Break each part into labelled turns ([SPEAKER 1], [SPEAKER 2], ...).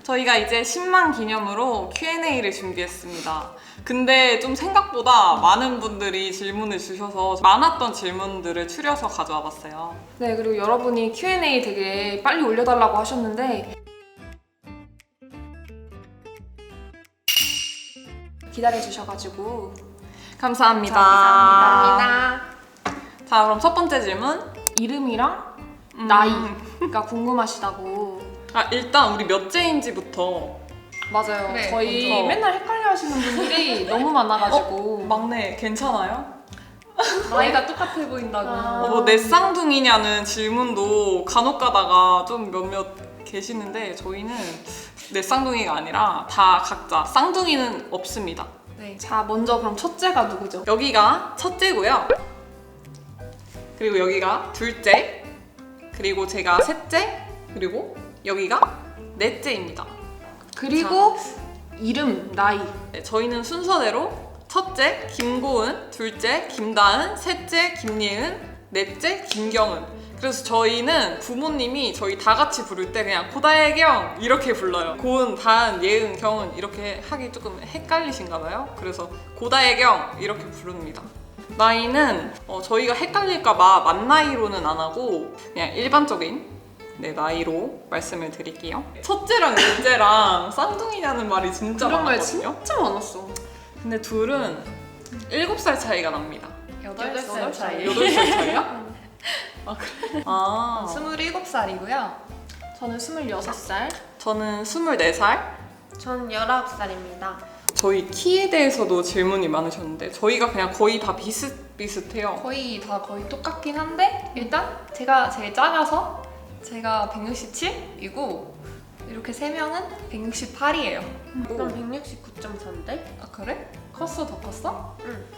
[SPEAKER 1] 저희가 이제 10만 기념으로 Q&A를 준비했습니다. 근데 좀 생각보다 많은 분들이 질문을 주셔서 많았던 질문들을 추려서 가져와 봤어요.
[SPEAKER 2] 네, 그리고 여러분이 Q&A 되게 빨리 올려달라고 하셨는데 기다려주셔가지고
[SPEAKER 1] 감사합니다.
[SPEAKER 2] 감사합니다.
[SPEAKER 1] 자, 그럼 첫 번째 질문.
[SPEAKER 2] 이름이랑 나이가 궁금하시다고.
[SPEAKER 1] 일단 우리 몇째인지부터.
[SPEAKER 2] 맞아요.
[SPEAKER 3] 그래,
[SPEAKER 2] 저희
[SPEAKER 1] 먼저.
[SPEAKER 2] 맨날 헷갈려 하시는 분들이 너무 많아가지고
[SPEAKER 1] 막내 괜찮아요?
[SPEAKER 2] 나이가 똑같아 보인다고.
[SPEAKER 1] 뭐 내 쌍둥이냐는 질문도 간혹 가다가 좀 몇몇 계시는데 저희는 내 쌍둥이가 아니라 다 각자 쌍둥이는 없습니다.
[SPEAKER 2] 네. 자, 먼저 그럼 첫째가 누구죠?
[SPEAKER 1] 여기가 첫째고요. 그리고 여기가 둘째. 그리고 제가 셋째. 그리고 여기가 넷째입니다.
[SPEAKER 2] 그리고 이름, 나이.
[SPEAKER 1] 네, 저희는 순서대로 첫째 김고은, 둘째 김다은, 셋째 김예은, 넷째 김경은. 그래서 저희는 부모님이 저희 다 같이 부를 때 그냥 고다혜경 이렇게 불러요. 고은, 다은, 예은, 경은 이렇게 하기 조금 헷갈리신가 봐요. 그래서 고다혜경 이렇게 부릅니다. 나이는 저희가 헷갈릴까봐 만 나이로는 안 하고 그냥 일반적인 나이로 말씀을 드릴게요. 첫째랑 넷째랑 쌍둥이냐는 말이 진짜
[SPEAKER 2] 그런 말
[SPEAKER 1] 많았거든요.
[SPEAKER 2] 진짜 많았어.
[SPEAKER 1] 근데 둘은 7살 차이가 납니다.
[SPEAKER 3] 8살 차이.
[SPEAKER 1] 8살 차이야? 아, 그래? 아,
[SPEAKER 3] 27살이고요.
[SPEAKER 2] 저는 26살.
[SPEAKER 1] 저는 24살.
[SPEAKER 3] 전 19살입니다.
[SPEAKER 1] 저희 키에 대해서도 질문이 많으셨는데 저희가 그냥 거의 다 비슷비슷해요.
[SPEAKER 3] 거의 똑같긴 한데 일단 제가 제일 작아서 제가 167이고 이렇게 세 명은 168이에요.
[SPEAKER 4] 난 169.4인데?
[SPEAKER 3] 아 그래? 컸어? 더 컸어?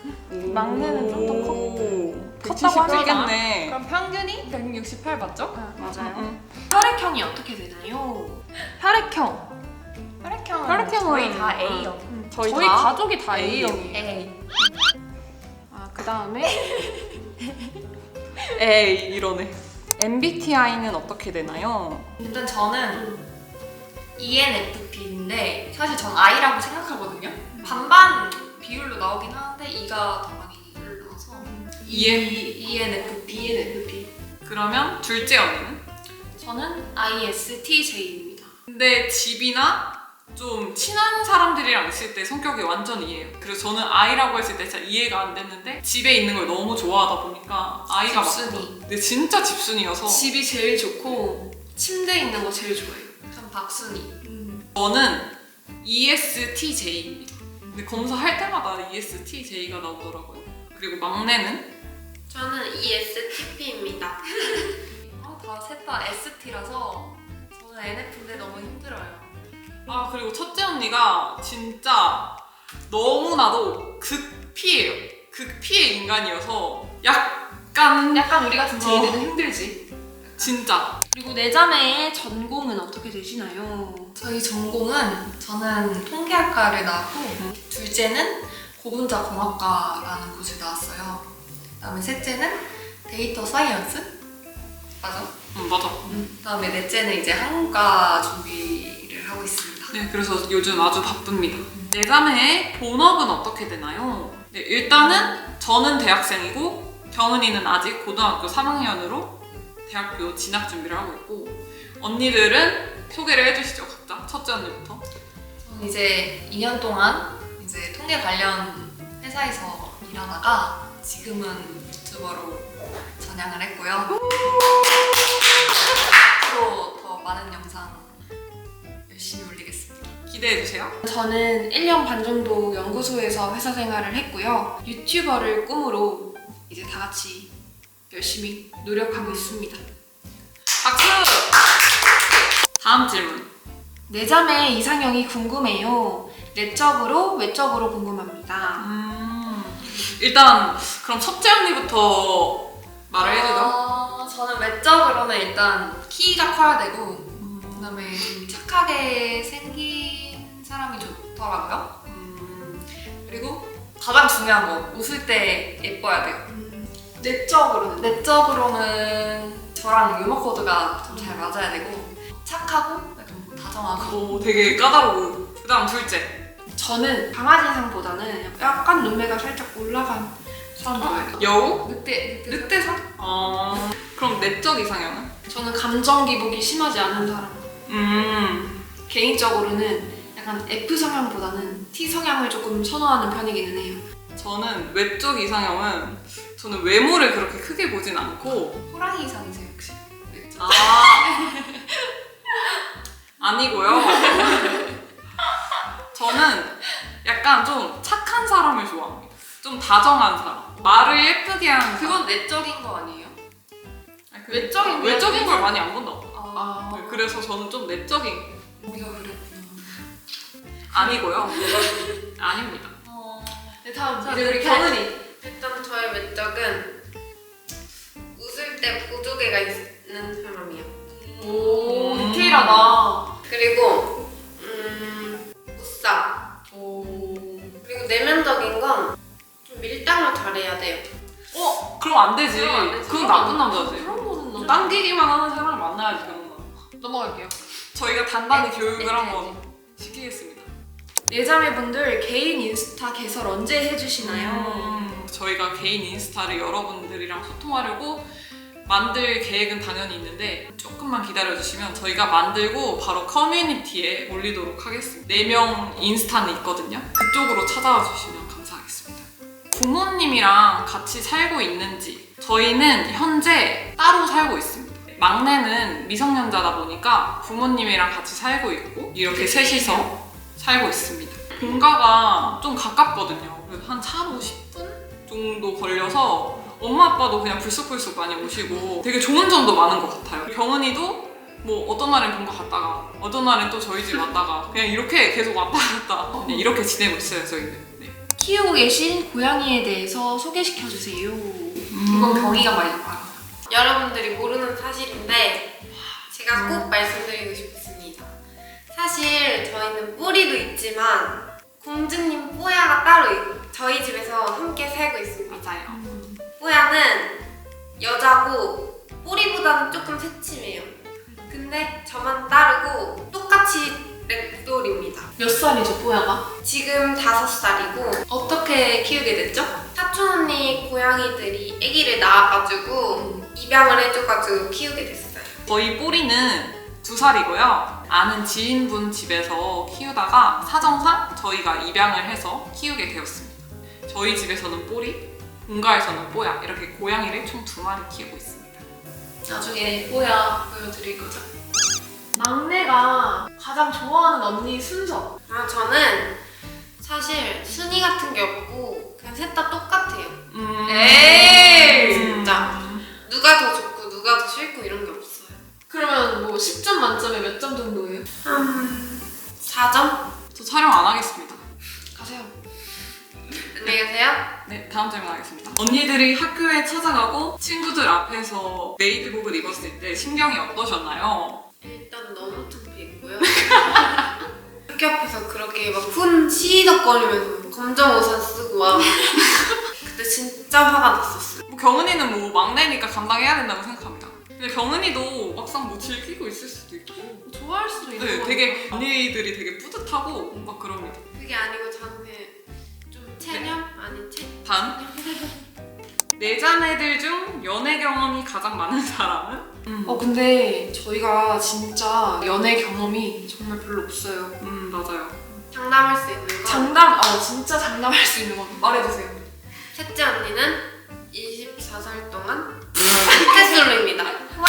[SPEAKER 2] 막내는 좀더
[SPEAKER 1] 컸고
[SPEAKER 2] 컸다고 하니까.
[SPEAKER 1] 컸겠네.
[SPEAKER 3] 그럼 평균이 168 맞죠?
[SPEAKER 2] 맞아요. 혈액형이 어떻게 되나요? 혈액형.
[SPEAKER 3] 혈액형은
[SPEAKER 1] 혈액형은-
[SPEAKER 3] 저희 다 A형.
[SPEAKER 1] 저희
[SPEAKER 2] 저희
[SPEAKER 1] 다
[SPEAKER 2] 가족이 다 A형이에요.
[SPEAKER 3] A.
[SPEAKER 2] 그 다음에
[SPEAKER 1] 에이 이러네. MBTI는 어떻게 되나요?
[SPEAKER 5] 일단 저는 ENFP인데 사실 전 I라고 생각하거든요. 반반 비율로 나오긴 하는데 E가 더 많이 올라와서 ENFP.
[SPEAKER 1] 그러면 둘째 언니는?
[SPEAKER 5] 저는 ISTJ입니다.
[SPEAKER 1] 근데 집이나 좀 친한 사람들이랑 있을 때 성격이 완전 이해해요. 그래서 저는 아이라고 했을 때 진짜 이해가 안 됐는데 집에 있는 걸 너무 좋아하다 보니까 아이가
[SPEAKER 5] 집순이.
[SPEAKER 1] 맞다. 근데 진짜 집순이어서
[SPEAKER 5] 집이 제일 좋고 침대에 있는 거 제일 좋아해요. 전 박순이.
[SPEAKER 1] 저는 ESTJ입니다. 근데 검사할 때마다 ESTJ가 나오더라고요. 그리고 막내는?
[SPEAKER 4] 저는 ESTP입니다.
[SPEAKER 5] 다 셋 다 ST라서 저는 NF인데 너무 힘들어요.
[SPEAKER 1] 그리고 첫째 언니가 진짜 너무나도 극피예요. 극피의 인간이어서 약간
[SPEAKER 5] 우리 같은 제이들은 힘들지.
[SPEAKER 1] 진짜
[SPEAKER 2] 그리고 내 자매의 전공은 어떻게 되시나요?
[SPEAKER 5] 저희 전공은 저는 통계학과를 나왔고 둘째는 고분자 공학과라는 곳을 나왔어요. 그다음에 셋째는 데이터 사이언스 맞아?
[SPEAKER 1] 맞아.
[SPEAKER 5] 그다음에 넷째는 이제 한국과 준비를 하고 있습니다.
[SPEAKER 1] 네, 그래서 요즘 아주 바쁩니다. 내 자매의 본업은 어떻게 되나요? 네, 일단은 저는 대학생이고 경은이는 아직 고등학교 3학년으로 대학교 진학 준비를 하고 있고 언니들은 소개를 해주시죠, 각자. 첫째 언니부터.
[SPEAKER 5] 저는 이제 2년 동안 이제 통계 관련 회사에서 일하다가 지금은 유튜버로 전향을 했고요. 앞으로 더 많은 영상 열심히 올리겠습니다.
[SPEAKER 1] 기대해주세요.
[SPEAKER 2] 저는 1년 반 정도 연구소에서 회사 생활을 했고요. 유튜버를 꿈으로 이제 다 같이 열심히 노력하고 있습니다.
[SPEAKER 1] 박수! 다음 질문.
[SPEAKER 2] 내 자매 이상형이 궁금해요. 내적으로, 외적으로 궁금합니다.
[SPEAKER 1] 일단 그럼 첫째 언니부터 말을 해주죠.
[SPEAKER 5] 저는 외적으로는 일단 키가 커야 되고 그다음에 좀 착하게 생긴 사람이 좋더라고요. 그리고 가장 중요한 거 웃을 때 예뻐야 돼요. 내적으로는 저랑 유머 코드가 좀 잘 맞아야 되고 착하고 약간 다정한 다정하고.
[SPEAKER 1] 되게 까다로워. 그다음 둘째.
[SPEAKER 2] 저는 강아지상보다는 약간 눈매가 살짝 올라간 사람 좋아해요.
[SPEAKER 1] 여우?
[SPEAKER 5] 늑대상?
[SPEAKER 1] 그럼 내적 이상형은?
[SPEAKER 2] 저는 감정 기복이 심하지 않은 사람. 개인적으로는 약간 F 성향보다는 T 성향을 조금 선호하는 편이기는 해요.
[SPEAKER 1] 저는 외적 이상형은 저는 외모를 그렇게 크게 보진 않고
[SPEAKER 5] 호랑이 이상이세요 혹시?
[SPEAKER 1] 아니고요. 저는 약간 좀 착한 사람을 좋아합니다. 좀 다정한 사람. 말을 예쁘게 하는 사람.
[SPEAKER 5] 그건 내적인 거 아니에요?
[SPEAKER 1] 아니,
[SPEAKER 2] 외적인
[SPEAKER 1] 걸 많이 안 본다고.
[SPEAKER 2] 아,
[SPEAKER 1] 네, 그래서 저는 좀 내적인
[SPEAKER 5] 우리가 그랬구나.
[SPEAKER 1] 아니고요. 아닙니다.
[SPEAKER 2] 네, 다음
[SPEAKER 4] 자,
[SPEAKER 2] 이제 우리
[SPEAKER 4] 네.
[SPEAKER 2] 경은이.
[SPEAKER 4] 일단 저의 외적은 웃을 때 보조개가 있는 사람이요.
[SPEAKER 2] 오, 디테일하다.
[SPEAKER 4] 그리고 무쌍. 그리고 내면적인 건 좀 밀당을 잘해야 돼요.
[SPEAKER 1] 그럼 안 되지.
[SPEAKER 4] 그럼 안 되지.
[SPEAKER 1] 그건 나쁜 남자지.
[SPEAKER 2] 그런 거는 너무
[SPEAKER 1] 당기기만 하는 사람을 만나야지, 그런 거.
[SPEAKER 2] 넘어갈게요.
[SPEAKER 1] 저희가 단단히 교육을
[SPEAKER 4] 네,
[SPEAKER 1] 한번 시키겠습니다.
[SPEAKER 2] 예자매분들 개인 인스타 개설 언제 해주시나요?
[SPEAKER 1] 저희가 개인 인스타를 여러분들이랑 소통하려고 만들 계획은 당연히 있는데 조금만 기다려주시면 저희가 만들고 바로 커뮤니티에 올리도록 하겠습니다. 4명 인스타는 있거든요. 그쪽으로 찾아와 주시면 감사하겠습니다. 부모님이랑 같이 살고 있는지 저희는 현재 따로 살고 있습니다. 막내는 미성년자다 보니까 부모님이랑 같이 살고 있고 이렇게 셋이서 살고 있습니다. 본가가 좀 가깝거든요. 그래서 한 차로 10분 정도 걸려서 엄마 아빠도 그냥 불쑥불쑥 많이 오시고 되게 좋은 점도 많은 것 같아요. 경은이도 뭐 어떤 날엔 본가 갔다가 어떤 날엔 또 저희 집 왔다가 그냥 이렇게 계속 왔다 갔다 그냥 이렇게 지내고 있어요, 저희는. 네.
[SPEAKER 2] 키우고 계신 고양이에 대해서 소개시켜주세요.
[SPEAKER 5] 이건 경이가 많이 알아.
[SPEAKER 4] 여러분들이 모르는 사실인데 제가 꼭 말씀드리고 싶습니다. 사실 저희는 뿌리도 있지만 공주님 뽀야가 따로 저희 집에서 함께 살고 있습니다.
[SPEAKER 1] 맞아요.
[SPEAKER 4] 뽀야는 여자고 뿌리보다는 조금 새침해요. 근데 저만 따르고 똑같이 렉돌입니다.
[SPEAKER 2] 몇 살이죠, 뽀야가?
[SPEAKER 4] 지금 5살이고
[SPEAKER 2] 어떻게 키우게 됐죠?
[SPEAKER 4] 사촌 언니 고양이들이 아기를 낳아가지고 입양을 해줘가지고 키우게 됐어요.
[SPEAKER 1] 저희 뽀리는 2살이고요. 아는 지인분 집에서 키우다가 사정상 저희가 입양을 해서 키우게 되었습니다. 저희 집에서는 뽀리, 본가에서는 뽀야 이렇게 고양이를 총 2마리 키우고 있습니다.
[SPEAKER 2] 나중에 뽀야 보여드릴 거죠? 막내가 가장 좋아하는 언니 순서.
[SPEAKER 4] 저는 사실 순위 같은 게 없고 그냥 셋 다 똑같아요.
[SPEAKER 2] 에이!
[SPEAKER 4] 진짜. 누가 더 좋고 누가 더 싫고 이런 게 없어요.
[SPEAKER 2] 그러면 뭐 10점 만점에 몇 점 정도예요?
[SPEAKER 4] 4점?
[SPEAKER 1] 저 촬영 안 하겠습니다.
[SPEAKER 2] 가세요.
[SPEAKER 4] 안녕히 계세요.
[SPEAKER 1] 네, 다음 질문 하겠습니다. 언니들이 학교에 찾아가고 친구들 앞에서 메이드복을 입었을 때 심경이 어떠셨나요?
[SPEAKER 4] 일단 너무 창피했고요. 학교 앞에서 그렇게 막 시덕거리면서 검정 옷을 쓰고 와. 그때 진짜 화가 났었어요.
[SPEAKER 1] 뭐 경은이는 뭐 막내니까 감당해야 된다고 생각합니다. 근데 경은이도 막상 뭐 즐기고 있을 수도 있고
[SPEAKER 2] 좋아할 수도 있는
[SPEAKER 1] 네,
[SPEAKER 2] 거
[SPEAKER 1] 되게 언니들이 되게 뿌듯하고 막 그럽니다.
[SPEAKER 4] 그게 아니고 저는 좀 체념? 아니
[SPEAKER 1] 다음. 내 자매들 중 연애 경험이 가장 많은 사람은?
[SPEAKER 2] 근데 저희가 진짜 연애 경험이 정말 별로 없어요.
[SPEAKER 1] 맞아요.
[SPEAKER 4] 장담할 수 있는 건
[SPEAKER 2] 진짜 장담할 수 있는 건 말해주세요.
[SPEAKER 4] 셋째 언니는 24살 동안 모태솔로입니다.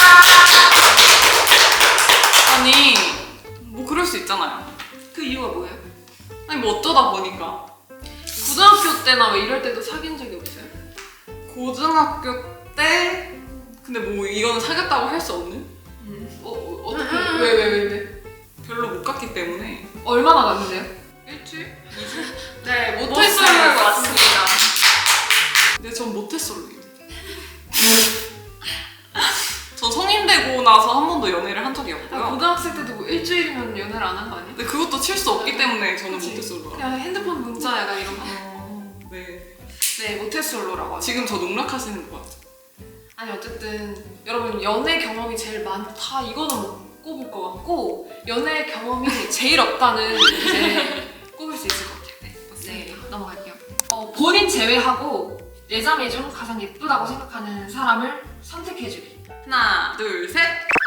[SPEAKER 1] 아니 뭐 그럴 수 있잖아요.
[SPEAKER 2] 그 이유가 뭐예요?
[SPEAKER 1] 아니 뭐 어쩌다 보니까
[SPEAKER 2] 고등학교 때나 뭐 이럴 때도 사귄 적이 없어요?
[SPEAKER 1] 고등학교 때 근데 뭐 이거는 사귀었다고 할 수 없는?
[SPEAKER 2] 어떻게? 왜?
[SPEAKER 1] 별로 못 갔기 때문에
[SPEAKER 2] 얼마나 갔는데요?
[SPEAKER 1] 일주일? 2주?
[SPEAKER 2] 네,
[SPEAKER 1] 모태솔로인 것
[SPEAKER 2] 같습니다.
[SPEAKER 1] 근데 전 모태솔로입니다. 전 성인 되고 나서 한 번도 연애를 한 적이 없고요.
[SPEAKER 2] 고등학생 때도 뭐 일주일이면 연애를 안 한 거 아니에요?
[SPEAKER 1] 근데 그것도 칠 수 없기 때문에 저는
[SPEAKER 2] 그치.
[SPEAKER 1] 모태솔로라.
[SPEAKER 2] 그냥 핸드폰 문자 약간 이런 거.
[SPEAKER 1] 네.
[SPEAKER 2] 네, 모태솔로라고 하죠.
[SPEAKER 1] 지금 저 농락하시는 거 같죠?
[SPEAKER 2] 아니 어쨌든 여러분 연애 경험이 제일 많다 이거는 뭐 꼽을 것 같고 연애 경험이 제일 없다는 이제 꼽을 수 있을 것 같아요. 네, 맞습니다. 네, 넘어갈게요. 본인 제외하고 내 자매 중 가장 예쁘다고 생각하는 사람을 선택해주기.
[SPEAKER 1] 하나, 둘, 셋.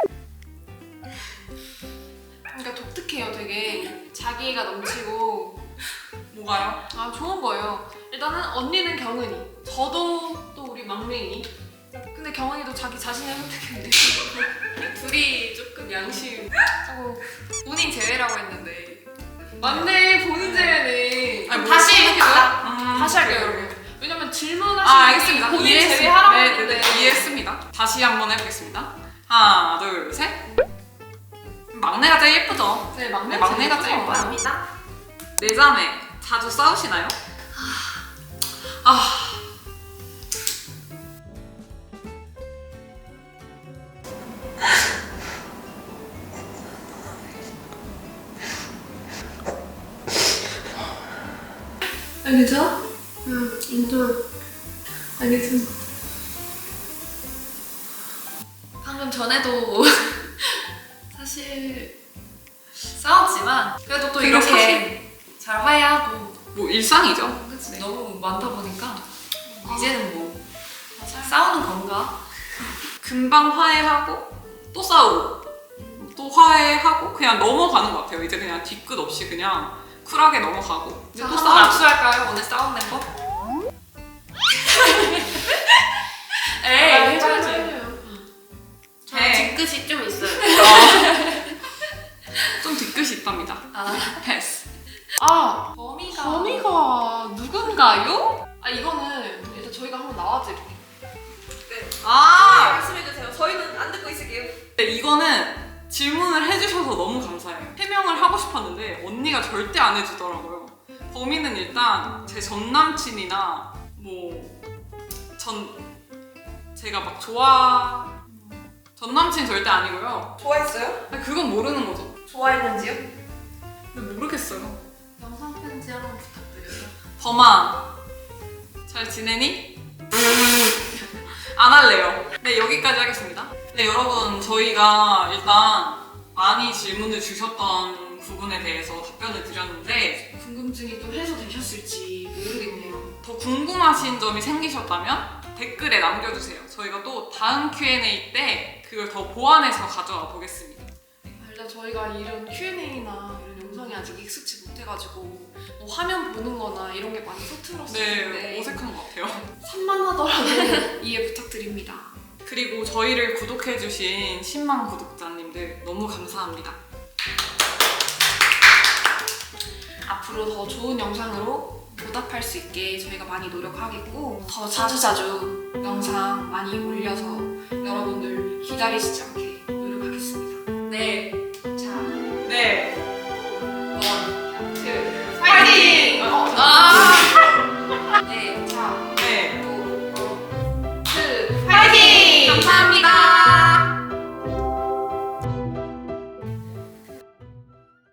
[SPEAKER 2] 그러니까 독특해요. 되게 자기애가 넘치고
[SPEAKER 1] 뭐가요?
[SPEAKER 2] 좋은 거예요. 일단은 언니는 경은이, 저도 또 우리 막내이. 근데 경은이도 자기 자신을 선택했는데
[SPEAKER 3] 둘이 조금 양심. 본인 제외라고 했는데.
[SPEAKER 2] 맞네. 본인 제외네.
[SPEAKER 1] 아니,
[SPEAKER 2] 다시
[SPEAKER 1] 뭘
[SPEAKER 2] 해볼까요? 다시 할게요,
[SPEAKER 1] 네.
[SPEAKER 2] 여러분. 왜냐면 질문하시는
[SPEAKER 1] 알겠습니다.
[SPEAKER 2] 본인
[SPEAKER 1] 이해했습니다.
[SPEAKER 2] 제외하라고
[SPEAKER 1] 네,
[SPEAKER 2] 했는데.
[SPEAKER 1] 네, 이해했습니다. 다시 한번 해보겠습니다. 하나, 둘, 셋. 막내가 제일 예쁘죠?
[SPEAKER 2] 네, 막내
[SPEAKER 1] 막내가 제일 예뻐요.
[SPEAKER 4] 감사합니다.
[SPEAKER 1] 내 자매 자주 싸우시나요?
[SPEAKER 2] 괜찮아?
[SPEAKER 4] 인정.
[SPEAKER 2] 알겠습니다.
[SPEAKER 3] 방금 전에도 사실 싸웠지만 그래도 또
[SPEAKER 1] 그게
[SPEAKER 3] 이렇게
[SPEAKER 1] 사실-
[SPEAKER 3] 잘 화해하고
[SPEAKER 1] 뭐 일상이죠.
[SPEAKER 3] 그치? 너무 많다 보니까 이제는 뭐 싸우는 건가?
[SPEAKER 1] 금방 화해하고 또 싸우고 또 화해하고 그냥 넘어가는 것 같아요. 이제 그냥 뒤끝 없이 그냥 쿨하게 넘어가고 이제
[SPEAKER 3] 자,
[SPEAKER 1] 또
[SPEAKER 3] 한번
[SPEAKER 1] 싸우고.
[SPEAKER 3] 압수할까요? 오늘 싸운 멤버? 에이 해줘야지.
[SPEAKER 4] 저는
[SPEAKER 1] 네.
[SPEAKER 4] 뒤끝이 좀 있어요.
[SPEAKER 1] 좀 뒤끝이 있답니다.
[SPEAKER 3] 아,
[SPEAKER 1] 패스.
[SPEAKER 2] 범이가 누군가요? 이거는 일단 저희가 한번 나와드릴게요.
[SPEAKER 1] 말씀해주세요.
[SPEAKER 3] 저희는 안 듣고 있을게요.
[SPEAKER 1] 네, 이거는 질문을 해주셔서 너무 감사해요. 해명을 하고 싶었는데 언니가 절대 안 해주더라고요. 범인은 일단 제 전 남친이나 제가 막 전 남친 절대 아니고요.
[SPEAKER 3] 좋아했어요?
[SPEAKER 1] 아니, 그건 모르는 거죠.
[SPEAKER 3] 좋아했는지요?
[SPEAKER 1] 근데 모르겠어요.
[SPEAKER 3] 영상 편지 한번 부탁드려요.
[SPEAKER 1] 범아, 잘 지내니? 안 할래요. 네, 여기까지 하겠습니다. 네, 여러분, 저희가 일단 많이 질문을 주셨던 부분에 대해서 답변을 드렸는데
[SPEAKER 2] 궁금증이 또 해소되셨을지 모르겠네요.
[SPEAKER 1] 더 궁금하신 점이 생기셨다면 댓글에 남겨주세요. 저희가 또 다음 Q&A 때 그걸 더 보완해서 가져와 보겠습니다.
[SPEAKER 2] 일단 저희가 이런 Q&A나 이런 영상이 아직 익숙치 못해가지고 뭐 화면 보는 거나 이런 게 많이 서툴었었는데
[SPEAKER 1] 네, 어색한 것 같아요.
[SPEAKER 2] 산만하더라도 이해 부탁드립니다.
[SPEAKER 1] 그리고 저희를 구독해주신 10만 구독자님들 너무 감사합니다.
[SPEAKER 2] 앞으로 더 좋은 영상으로 보답할 수 있게 저희가 많이 노력하겠고 더 자주자주 영상 많이 올려서 여러분들 기다리시지 않게 노력하겠습니다.
[SPEAKER 3] 네.
[SPEAKER 2] 자,
[SPEAKER 1] 네.
[SPEAKER 3] 원, 투.
[SPEAKER 2] 파이팅!
[SPEAKER 3] 아!